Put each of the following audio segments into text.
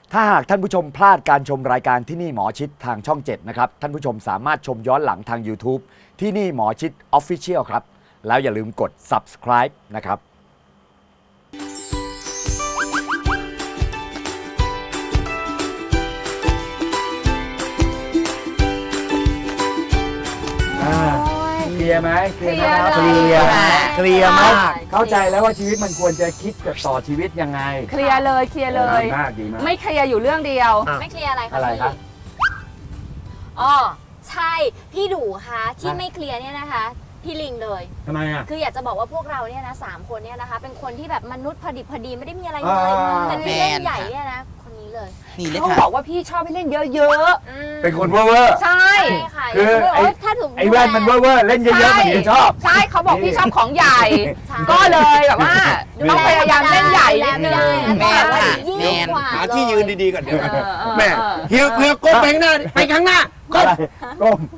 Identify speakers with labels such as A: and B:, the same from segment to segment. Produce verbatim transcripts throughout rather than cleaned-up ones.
A: ถ้าหากท่านผู้ชมพลาดการชมรายการที่นี่หมอชิดทางช่องเจ็ดนะครับท่านผู้ชมสามารถชมย้อนหลังทาง YouTube ที่นี่หมอชิด Official ครับแล้วอย่าลืมกด Subscribe นะครับเคลียร์ไหมเคลียร์นะครับเคลียร์เคลียร์มากเข้าใจแล้วว่าชีวิตมันควรจะคิดกับต่อชีวิตยังไง
B: เคลียร์เลยเคลียร์เลย
A: ดีมากดีมาก
B: ไม่เคลียร์อยู่เรื่องเดียว
C: ไม่เคลียร์อะไรคะ
A: อะไรครับ
C: อ๋อใช่พี่ดูคะที่ไม่เคลียร์เนี่ยนะคะพี่ลิงเลย
A: ทำไมอ่ะ
C: คืออยากจะบอกว่าพวกเราเนี่ยนะสามคนเนี่ยนะคะเป็นคนที่แบบมนุษย์พอดีพอดีไม่ได้มีอะไรเลยแต่พี่เล่นใหญ่เนี่ยนะคนนี้เลย
B: เขาบอกว่าพี่ชอบให้เล่นเยอะ
A: ๆเป็นคนเว่อร์
B: ใช่
A: คือไอ้ไอ้แว่นมันเว่อร์เล่นเยอะๆมันจะชอบ
B: ใช่เขาบอกพี่ชอบของใหญ่ก็เลยแบบว่าต้องพยายามเล่นใหญ่นิดนึง
C: แม่
D: แม่หาที่ยืนดีๆก่อนเดี๋ยวแม่เฮียเฮียก้มไปข้างหน้าไปข้างหน้าก้ม
A: ก้ม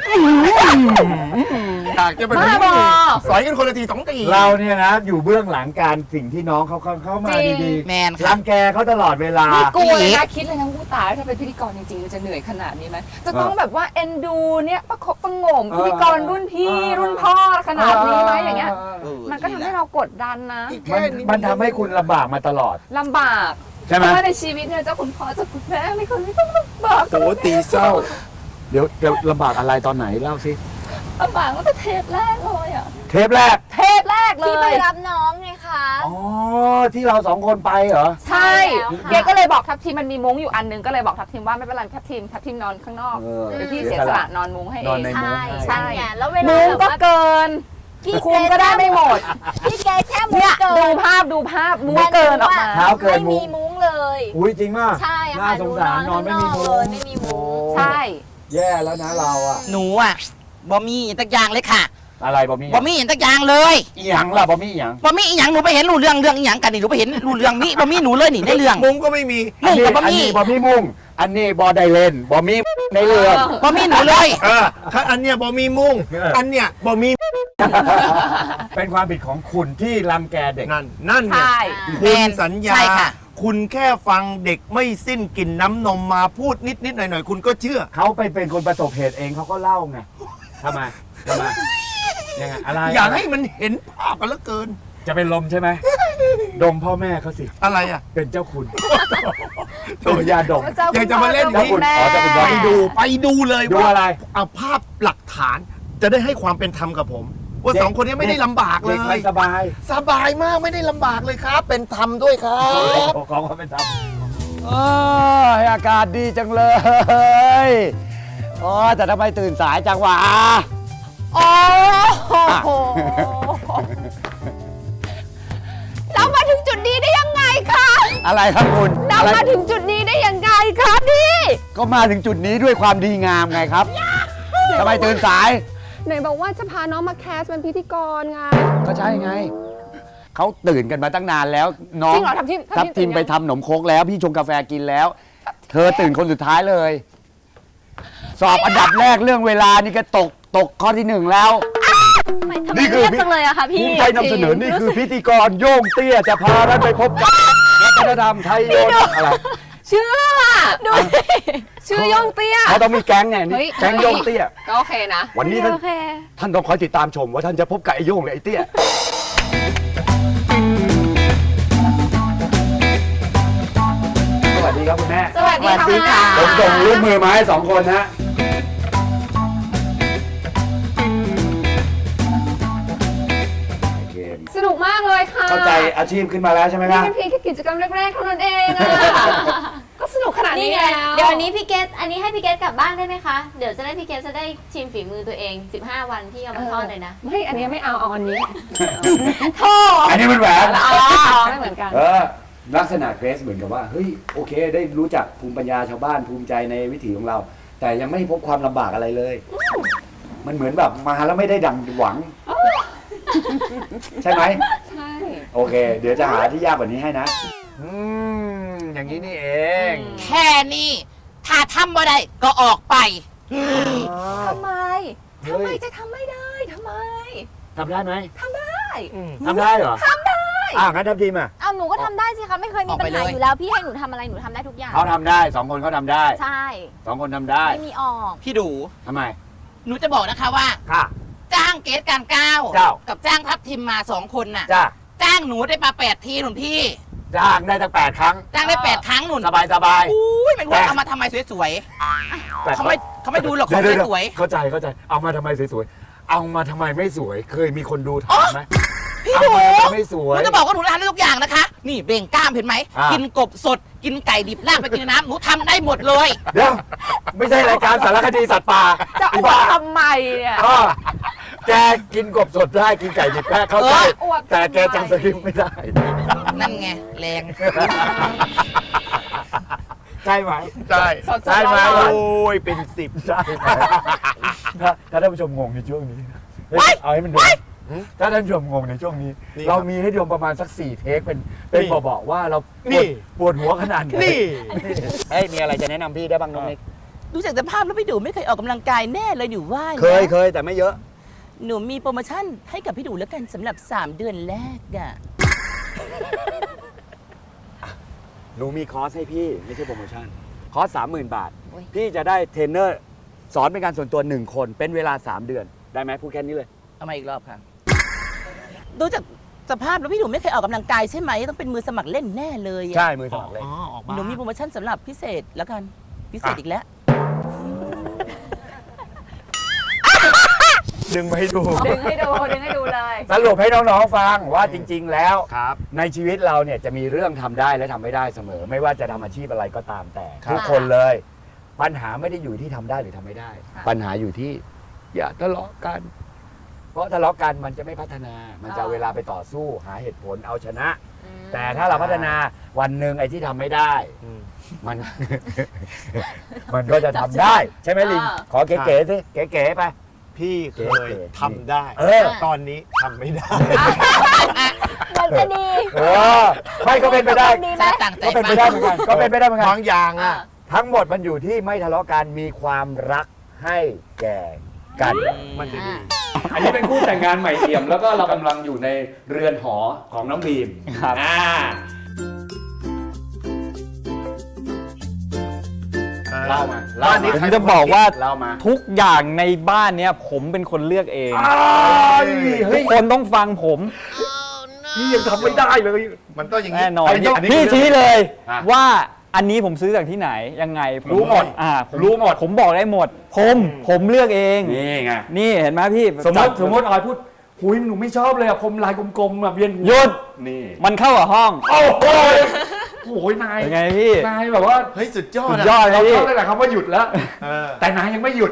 D: อยากจะเป็นสอยกันคนละทีสองที
A: เราเนี่ยนะอยู่เบื้องหลังการสิ่งที่น้องเขาเข้ามาดีๆ
D: แมน
A: รังแกเขาตลอดเวลา
B: ไม่กลัวเลยนะคิดเลยนะผู้ตายถ้าเป็นพิธีกรจริงๆจะเหนื่อยขนาดนี้ไหมจะต้องแบบว่าเอ็นดูเนี่ยประคบประงมพิธีกรรุ่นพี่รุ่นพ่อขนาดนี้ไหมอย่างเงี้ยมันก็ทำให้เรากดดันนะ
A: มันทำให้คุณลำบากมาตลอด
B: ลำบาก
A: ใช่ไหมเพ
B: ราะว่าในชีวิตเนี่ยเจ้าคุณพ่อเจ้าคุณแม่ไม่เคยไม่ต้องลำบาก
D: โตตีเศร้า
A: เดี๋ยวจะลำบากอะไรตอนไหนเล่าสิ
B: ลำบากตั้งแต่เทปแรกเลยอ่ะ
A: เทปแรก
B: เทปแรกเลย
C: ที่ไปรับน้องไงคะ
A: อ๋อที่เราสองคนไปเหรอ
B: ใช่เกก็เลยบอกทัพทีมมันมีมุ้งอยู่อันนึงก็เลยบอกทัพทีมว่าไม่เป็นไรทัพทีมทัพทีมนอนข้างนอกหรือพี่เสียสละนอนมุ้งให้เอง
C: ใช่ใช่แล้วเวลา
B: มุ้งก็เกินคุมก็ได้ไม่หมด
C: พี่แกแค่มุ้งเกิน
B: ดูภาพดูภาพมุ้งเกินออกมา
A: เท้าเกิน
C: มุ้งไม่มีมุ้งเลย
A: อุ้ยจริงมาก
C: ใช่
A: น่าสงสารนอนไม่มีมุ้ง
C: ไม่มีมุ้ง
B: ใช่
A: แย่แล้วนะเราอ่ะ
D: หนูอ่ะบอมี่ตักอย่างเลยค่ะ
A: อะไรบอมี่
D: บอมี่ตักอย่างเลย
A: อีหยังล่ะบอมี่อีหยัง
D: บอมี่อีหยังหนูไปเห็นรู้เรื่องเรื่องอีหยังกันนี่หนูไปเห็นรู้เรื่องนี้บอมี่หนูเลยนี่ในเรื่อง
A: มุ้งก็ไม่มี
D: มุ้งกับบอ
A: มี่บอมี่มุ้งอันนี้บอไดเลนบอมี่ในเรื่อง
D: บอมี่หนูเลย
A: เออ
D: อันเนี้ยบอมี่มุ้งอันเนี้ยบอมี่
A: เป็นความผิดของคุณที่รังแกเด็ก
D: นั่นนั่นเนี่ยคุณสัญญาคุณแค่ฟังเด็กไม่สิ้นกลิ่นน้ำนมมาพูดนิดนิดหน่อยหน่อยคุณก็เชื่อ
A: เขาไปเป็นคนประสบเหตุเองเขาก็เล่าไงทำไมทำไมยังไงอะไร
D: อยากให้มันเห็นภาพกันเหลือเกิน
A: จะเป็นลมใช่ไหมดมพ่อแม่เขาสิ
D: อะไรอ่ะ
A: เป็นเจ้าคุณตัวยาดม
D: อยากจะมาเล่น
A: ที่ไป
D: ดูไปดูเลย
A: ว่าอะไร
D: เอาภาพหลักฐานจะได้ให้ความเป็นธรรมกับผมว่าสองคนนี้ไม่ได้ลำบากเลย
A: สบาย
D: สบายมากไม่ได้ลำบากเลยครับเป็นธรรมด้วยครับ
A: ขอความเป็นธรรมอากาศดีจังเลยอ๋อแต่ทำไมตื่นสายจังวะ
B: โอ้โหเรามาถึงจุดนี้ได้ยังไงคะ
A: อะไรครับคุณ
B: เรามาถึงจุดนี้ได้ยังไงครับพี่
A: ก็มาถึงจุดนี้ด้วยความดีงามไงครับทำไมตื่นสาย
B: ไหนบอกว่าจะพาน้องมาแคสเป็นพิธีกรไง
A: ก็ใช่ไงเขาตื่นกันมาตั้งนานแล้วน้องทับทิมไปทำขนมโคกแล้วพี่ชงกาแฟกินแล้วเธอตื่นคนสุดท้ายเลยสอบอันดับแรกเรื่องเวลานี่ก็ตกตกข้อที่หนึ่งแล้ว
C: นี่คือจังเลยอะค่ะพี่
A: ภูมิใจนำเสนอนี่คือพิธีกรโย่งเตี้ยจะพาท่านไปพบกับวัฒนธรรมไทยโยนอะไร
B: ชื่อดูชื่อโย่งเตี้ย
A: เขาต้องมีแก๊งไงนี่แก๊งโย่งเตี้ย
B: ก็โอเคนะ
A: วันนี้ท่านท่านต้องคอยติดตามชมว่าท่านจะพบกับไอ้โย่งหรือไอ้เตี้ยสวัสดีครับคุณแม่
B: สวัสดีค่ะ
A: ผมส่งรูปมือมาให้สองคนนะ
B: สนุกมากเลยค่ะ
A: เข้าใจอาชีพขึ้นมาแล้วใช่ไหมครับ
B: นี่เป็นเพียงแค่กิจกรรมแรกๆเท่านั้นเองก็สนุกขนาดนี้
C: แล้วเดี๋ยวอันนี้พี่เกตอันนี้ให้พี่เกตกลับบ้านได้ไหมคะเดี๋ยวจะได้พี่เกตจะได้ชิมฝีมือตัวเองสิบห้าวันที่เอามาทอดเลยนะ
B: ไม่อันนี้ไม่เอาเอาอันนี้
C: โธ่
A: อันนี้มันแหวน
B: อ๋อไม่เหมือนกัน
A: เออลักษณะเกรซเหมือนกับว่าเฮ้ยโอเคได้รู้จักภูมิปัญญาชาวบ้านภูมิใจในวิถีของเราแต่ยังไม่พบความลำบากอะไรเลยมันเหมือนแบบมาแล้วไม่ได้ดังหวังใช่ไหม
B: ใช่
A: โอเคเดี๋ยวจะหาที่ยากกว่านี้ให้นะอืมอย่างนี้นี่เอง
D: แค่นี้ถ้าทำบ่ได้ก็ออกไป
B: ทำไมทำไมจะทำไม่ได้ทำไม
A: ทำได้ไหม
B: ทำได้
A: ทำได้เหรอ
B: ทำได้
A: อ่ะงั้นทำทีมอ่ะ
C: เอาหนูก็ทำได้สิคะไม่เคยมีปัญหาอยู่แล้วพี่ให้หนูทำอะไรหนูทำได้ทุกอย่าง
A: เขาทำได้สองคนเขาทำได้
C: ใช่
A: สองคนทำได้
C: ไม่มีออก
E: พี่ดู
A: ทำไม
E: หนูจะบอกนะคะว่า
A: ค่ะ
E: จ้างเกสการก้าว
A: เจ้า
E: กับจ้างทัพทิมมาสองคนน่ะ
A: จ้า
E: จ้างหนูได้มาแปดทีหนุนพี่
A: จ้างได้ตั้งแปดครั้ง
E: จ้างได้แปดครั้งหนุน
A: สบายสบาย
E: อุ้ยเป็นว่าเอามาทำไมสวย
A: แต่
E: ๆเขาไม่เขาไม่ดูหรอกของ
A: เดี๋ยว
E: สวย
A: ๆเข้าใจเข้าใจเอามาทำไมสวยๆเอามาทำไมไม่สวย เคยมีคนดูถามไหม
E: ๆพี่
A: เอา
E: ดู
A: มาทำไมไม่ส
E: ห
A: วย
E: นูจะบอกว่าหนูทำได้ทุกอย่างนะคะ นี่เบ่งกล้ามเห็นไหม
A: อ่ากิ
E: กินกบสดกินไก่ดิบลากไปกินในน้ำหนูทำได้หมดเลย
A: เดี๋ยวไม่ใช่รายการสารคดีสัตว์ป่า
B: จะอวดทำไมเนี่ย
A: อ้อแกกินกบสดได้กินไก่ดิบได้เข้าใจ
B: อวดทำไม
A: แต่แกจำสคริปต์ไม่ได้
E: นั่นไงแรง
A: ใช่ไหม
D: ใช่
B: สดๆ
A: ใช่ไหม
B: ร้อน
D: โอ้ยเป็นสิบ
A: ใช่ไหมถ้าถ้าท่านผู้ชมงงในช่วงนี้เฮ้ยเอาให้มันดูถ้าท่านผู้ชมงงในช่วงนี้ เรามีให้ดูประมาณสักสี่เทคเป็นเป็นบอกว่าเราปวดปวดหัวขนาดไหน
D: นี่
A: เฮ้ยมีอะไรจะแนะนำพี่ได้บ้างน้องนิก
E: ดูจากสภาพแล้วพี่ดูไม่เคยออกกำลังกายแน่เลยอยู่ว่านะ
A: เคยเคยแต่ไม่เยอะ
E: หนูมีโปรโมชั่นให้กับพี่ดูแล้วกันสำหรับสามเดือนแรกอะ
A: หนูมีคอร์สให้พี่ไม่ใช่โปรโมชั่นคอร์สสามหมื่นบาท พี่จะได้เทรนเนอร์สอนเป็นการส่วนตัวหนึ่งคนเป็นเวลาสามเดือนได้ไหมพูดแค่นี้เลย
E: เอามาอีกรอบค่ะ ดูจากสภาพแล้วพี่ดูไม่เคยออกกำลังกายใช่ไหมต้องเป็นมือสมัครเล่นแน่เลยอะ
A: ใช่มือสมัครเล่น
E: หนูมีโปรโมชั่นสำหรับพิเศษแล้วกันพิเศษอีกแล้ว
A: ดึงมาให้ดู
B: ดึงให้ดูดึงให้ดูเลย
A: สรุปให้น้องๆฟังว่าจริง ๆ แล้ว
D: ครับ
A: ในชีวิตเราเนี่ยจะมีเรื่องทำได้และทำไม่ได้เสมอ ไม่ว่าจะทำอาชีพอะไรก็ตามแต่
D: ครับ
A: ทุกคนเลย ปัญหาไม่ได้อยู่ที่ทำได้หรือทำไม่ได้ ปัญหาอยู่ที่ อย่าทะเลาะกัน เพราะทะเลาะกันมันจะไม่พัฒนา มันจะเอาเวลาไปต่อสู้หาเหตุผลเอาชนะ แต่ถ้าเราพัฒนาวันหนึ่งไอ้ที่ทำไม่ได้
D: อืม
A: มัน มันก็จะทำได้ ใช่ไหมลิง
B: อ่า
A: ขอเก๋ๆสิเก๋ๆไป
D: พี่เคยทำได้
A: เออ
D: ตอนนี้ทำไม่ได้
C: มันจะดี
A: เออไม่ก็เป็นไปได้
C: ดีไหม
E: ต่างใจ
A: ก็เป็นไปได้เหมือนกันก็เป็นไปได้เหมือนกัน
D: บางอย่างอ่ะ
A: ทั้งหมดมันอยู่ที่ไม่ทะเลาะกันมีความรักให้แก่กัน
D: มันจะดี
A: อันนี้เป็นคู่แต่งงานใหม่เอี่ยม แล้วก็เรากำลังอยู่ในเรือนหอของน้องบีมครับอ่า เล่ามาเล่า
D: บ้านนี้
A: มา
F: ผมจะบอกว่า
A: เล่ามา
F: ทุกอย่างในบ้านเนี้ยผมเป็นคนเลือกเอง
A: อ้ายเฮ้
F: ทุ
A: ย
F: กคนต้องฟังผม
A: พี่ยังทำไม่ได้เลย
D: มันต้องอย่างนี้
F: แน่นอน
A: อันนี้อันนี้
F: พี่
A: คือ
F: ชี้เลย
A: อ่ะ
F: ว่าอันนี้ผมซื้อจากที่ไหนยังไงผ
A: รู้หมด
F: อ่าผ
A: รู้หมด
F: ผมบอกได้หมด ผมผมเลือกเอง
A: นี่ไง
F: นี่เห็นไหมพี่
A: สมมติ
F: จัด
A: สมมติออยพูดหุยหนูไม่ชอบเลยอะผมลายกลมๆแบบเวียนหัว
F: หยุด
A: นี่
F: มันเข้ากับห้อง
A: โอ้โหโอ้ยนาย
F: เป็นไงพี่
A: นายแบบว่า
D: เฮ้ย สุดยอ
F: สุ
D: ด
F: ดยอดเล
A: เรา
F: ยพี่
A: เข้าได้แต่คำว่าหยุดแล้ว
D: เออ
A: แต่นายยังไม่หยุด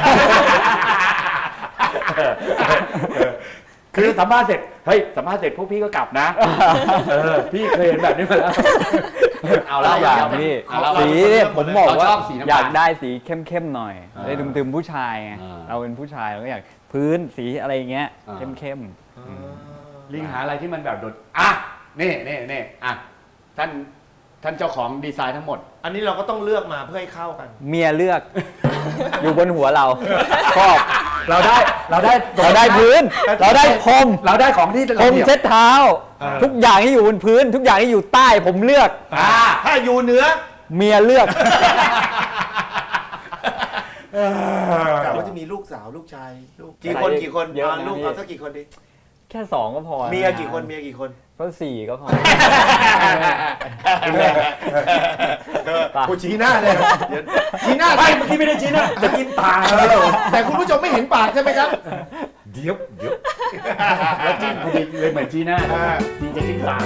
A: คือสัมภาษณ์เสร็จ เฮ้ย สัมภาษณ์เสร็จพวกพี่ก็กลับนะ เออ พี่เคยเห็นแบบนี้มาแล้ว เอา
F: หลายอย่าง
A: เ
F: พี่
A: เอาเรา
F: สีเนี่ยผมบอกว่า
A: เราชอบสีน้ำตาล
F: อยากได้สีเข้มๆหน่อย
A: อ่า
F: ได้ตึมๆผู้ชายไง
A: อ่า
F: เราเป็นผู้ชายเราก็อยากพื้นสีอะไรอย่างเงี้ย
A: อ่า
F: เข้ม
A: ลิงหาอะไรที่มันแบบโดด อ่ะ นี่นี่นี่อ่ะ ท่าน ท่านเจ้าของดีไซน์ทั้งหมด
D: อันนี้เราก็ต้องเลือกมาเพื่อให้เข้ากัน
F: ๆเมียเลือก อยู่บนหัวเราชอบ
A: เราได้ เราได้
F: เราได้พื้น เราได้พรม
A: เราได้ของที่
F: พรมเช็ดเท้า
D: เออ
F: ทุกอย่างที่อยู่บนพื้น ทุกอย่างที่อยู่ใต้ผมเลือก
A: อ่า
D: ถ้าอยู่เหนือ
F: เมียเลือก
D: กะว่าจะมีลูกสาวลูกชายลูกกี่คนกี่คน
F: เยอะนะ
D: เอาลูก
F: พี่
D: เอาสักกี่คนดิ
F: แค่สองก็พอ
D: เมียกี่คนเมียกี่คน
F: ก็สี่ก็พอ
D: กูชี้หน้าเลยเดี๋ยวชี้หน้า
A: ไม่เมื่อกี้ไม่ได้ชี้นะจะกินตา
D: แต่คุณผู้ชมไม่เห็นปากใช่ไหมครับ
A: เดี๋ยวเดี๋ยวแล้วจิ้มพอดีเลยเหมือนจีน่าจีจะจิ้มตา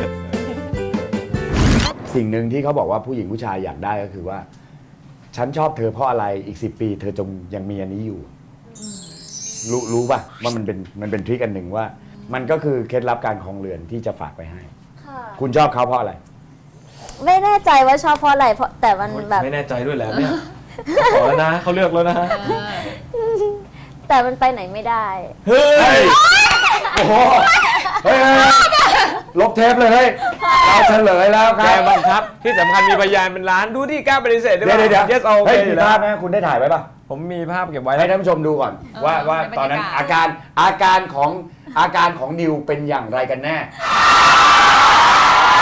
A: สิ่งหนึ่งที่เขาบอกว่าผู้หญิงผู้ชายอยากได้ก็คือว่า ฉันชอบเธอเพราะอะไรอีกสิบปี เธอจงยังมีอันนี้อยู่ รู้รู้ป่ะว่ามันเป็นมันเป็นทริคอันหนึ่งว่า มันก็คือเคล็ดลับการครองเรือนที่จะฝากไปให้
C: ค่ะ
A: คุณชอบเขาเพราะอะไร
C: ไม่แน่ใจว่าชอบเพราะอะไรเพราะแต่มันแบบ
F: ไม่แน่ใจด้วยแหละเนี่ยขอแล้วนะเขาเลือกแล้วนะ
C: แต่มันไปไหนไม่ได้
A: เฮ้ย โอ้โห เฮ้ยลบเทปเลยเฮ้ยเราเฉลยแล้วค
G: แก
A: รับ
G: บังคับที่สำคัญมีพยานเป็นล้านดูที่กล้าปฏิเสธได้
A: เดี๋ยว
G: ป่ะ
A: เดี๋ยว
G: yes โอเค
A: เฮ้ย
G: อ
A: มี
G: ยู่แล้
A: ภาว พไหมคุณได้ถ่ายไว้ป่ะ
F: ผมมีภาพเก็บไว้
A: ให้ท่านผู้ชมดูก่อน ว่าว่า
B: เป็นบรรยากาศ
A: ตอนนั้นอาการอาการของอาการของนิวเป็นอย่างไรกันแน่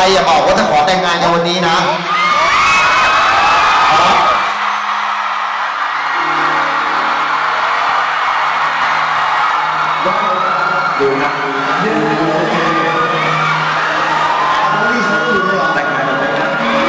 D: อย่าบอกว่าจะขอแต่งงานในวันนี้นะดูนะแต่งงานแต่งงาน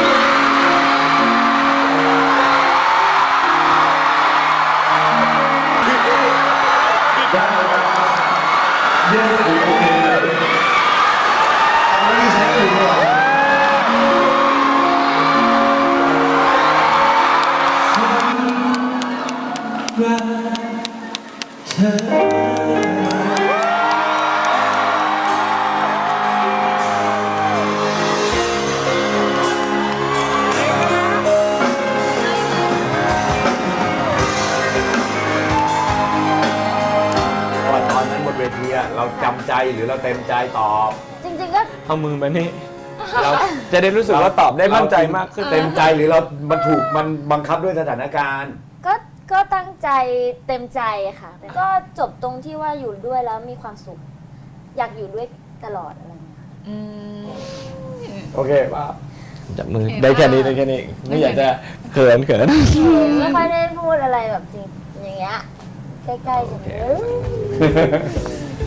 G: ตอนนั้นบนเวทีอะเราจำใจหรือเราเต็มใจตอบ
C: จริงๆก็
G: เอามือมานี่ เราจะได้รู้สึกว่าตอบได้มั่นใจมากขึ้น
A: เต็มใจหรือเรา มันถูกมันบังคับด้วยสถานการณ์
C: ก็ก็ตั้งใจเต็มใจค่ะ ก็จบตรงที่ว่าอยู่ด้วยแล้วมีความสุข อยากอยู่ด้วยตลอดอะไรอย่างเงี้ย
B: อืม
G: โอเคป่ะจับมือได้แค่นี้ได้แค่นี้ ไม่อยากจะเขินเขิน
C: ไม่ค่อยได้พูดอะไรแบบจริงอย่างเงี้ยใกล้ๆจะเอ้ย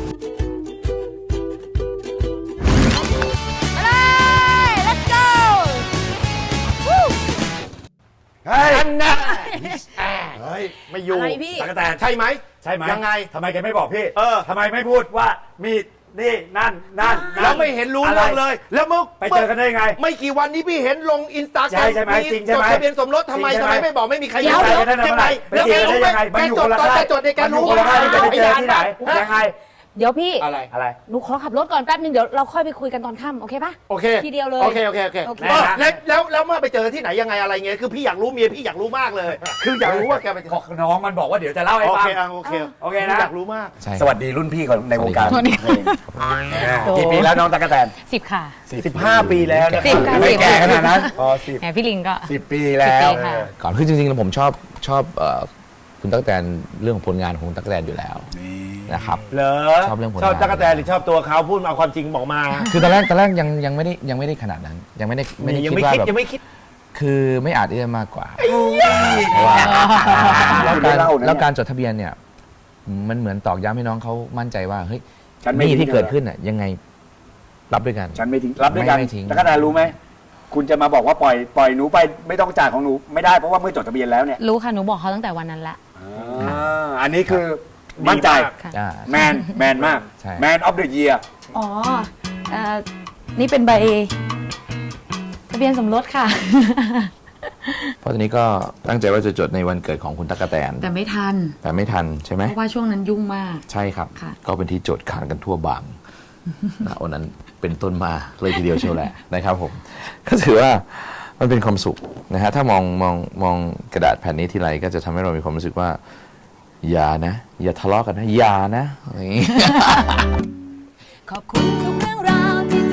A: เฮ้ย
D: อันน่ะเฮ้ย ไม่อยู่
E: อะไรพี่
D: ตะกะแตนใช่ไหม
A: ใช่ไหม
D: ยังไง
A: ทำไมแกไม่บอกพี่
D: เออ
A: ทำไมไม่พูดว่ามีนี่นั่นนั่นนั่น
D: แล้วไม่เห็นรู้
A: อะไร
D: เรื่องเลย แล้วเมื่อ
A: ไปเจอกันได้ไง
D: ไม่กี่วันนี้พี่เห็นลงอินสตาแกร
A: ใช่
D: ม
A: ใช่ไหมจริงใช่ไหม
D: จดทะเบียนสมรสทำไม
A: จริงใช่
D: ทำ
A: ไหม
D: ไมไม่บอกไม่มีใคร
A: เดี๋ยว
D: รู้
A: เดี๋ยว
D: ยังไง
A: ไปเจอได้ยังไงมัน
D: แก
A: อยู่
D: จ
A: ค
D: ด
A: นละ
D: ตอน
A: ค่าย
D: แกจดในแก
A: มันอยู่
D: รู้
A: คนละค่ายที่จะไปเจอที่ไหนยังไง
B: เดี๋ยวพี่
D: อะไร
A: อะไร
B: หนูขอขับรถก่อนแป๊บนึงเดี๋ยวเราค่อยไปคุยกันตอนค่ำโอเคปะ
D: โอเค
B: ทีเดียวเลย
D: โอเคโอเคโอเค
B: โอเค
D: เออแล้วแล้วแล้วเมื่อไปเจอที่ไหนยังไงอะไรเงี้ยคือพี่อยากรู้เมียพี่อยากรู้มากเลย คืออยากรู้ว่าแกไปเจอ
A: น้องมันบอกว่าเดี๋ยวจะเล่าให้
D: โอ
A: ฟัง
D: เคอ่ะโอเค
A: โอเคนะ
D: อยากรู้มาก
A: สวัสดีรุ่นพี่ของในวงการ
B: สวัสดี
A: เพลงกี่ปีแล้วน้องตะกะแตน
H: สิบค่ะ
A: สิบห้าปีแล้วนะ
H: สิบค่ะ
A: ไม่
H: สิบ
A: แก่ขนาดนั้นอ๋อสิบ
H: แหมพี่ลิงก็
A: สิบปีแล้ว
H: สิบปีค่ะ
F: ก่อนคือจริงๆแล้วผมชอบชอบเอ่อคุณตั๊กแตนเรื่องของผลงานของคุณตั๊กแตนอยู่แล้วนะครับ
A: เหรอ
F: ชอบเรื่องผลงาน
A: ชอบตะกะแตนหรือชอบตัวเขาพูดมาความจริงบอกมา
F: คือตอนแรกตอนแรกยังยังไม่ได้ยังไม่ได้ขนาดนั้น ยังไม่ได้ไม่ได้
A: ยัง
F: คิด
A: ไม่
F: ว่า
A: คิด
F: แบบ
A: ยังไม่คิด
F: คือไม่อาจที่จะมากกว่าเพราะว่าแล้วการแล้วการจดทะเบียนเนี่ยมันเหมือนตอกย้ำให้น้องเขามั่นใจว่าเฮ้ย
A: ฉันไม่
F: หนี่
A: ทิ้ง
F: ที่เกิดขึ้นน่ะยังไงรับด้วยกัน
A: ฉันไม่ทิ้งรับด้วยกัน
F: ไม่ไม่ทิ้ง
A: ตะกะแตนรู้ไหมคุณจะมาบอกว่าปล่อยปล่อยหนูไปไม่ต้องจ่ายของหนูไม่ได้เพราะว่าเมื่อจดทะเบียนแล้วเนี่ย
H: รู้ค่ะ หนูบอกเขาตั้งแต่วันนั้นละ
A: อ่าอันนี้คือมั่นใจ
H: ค่ะ
F: อ่า
A: แมนแมนมาก
F: ใช่
A: แมนออฟเดอะเยียร์
H: อ๋อเอ่อนี่เป็นใบทะเบียนสมรสค่ะ
F: เพราะตอนนี้ก็ตั้งใจว่าจะจดในวันเกิดของคุณตั๊กแตน
H: แต่ไม่ทัน
F: แต่ไม่ทันใช่ไหม
H: เพราะว่าช่วงนั้นยุ่งมาก
F: ใช่ครับ
H: ค่ะ
F: ก็เป็นที่โจทย์ขานกันทั่วบางนะวันนั้นเป็นต้นมาเลยทีเดียวเชียวแหละนะครับผม ก็ถือว่ามันเป็นความสุขนะฮะถ้ามองมองมองกระดาษแผ่นนี้ทีไรก็จะทำให้เรามีความรู้สึกว่า อย่านะ อย่าทะเลาะกันนะ อย่านะอะไรอย่างงี้
I: ขอบคุณทุกเรื่องราวที่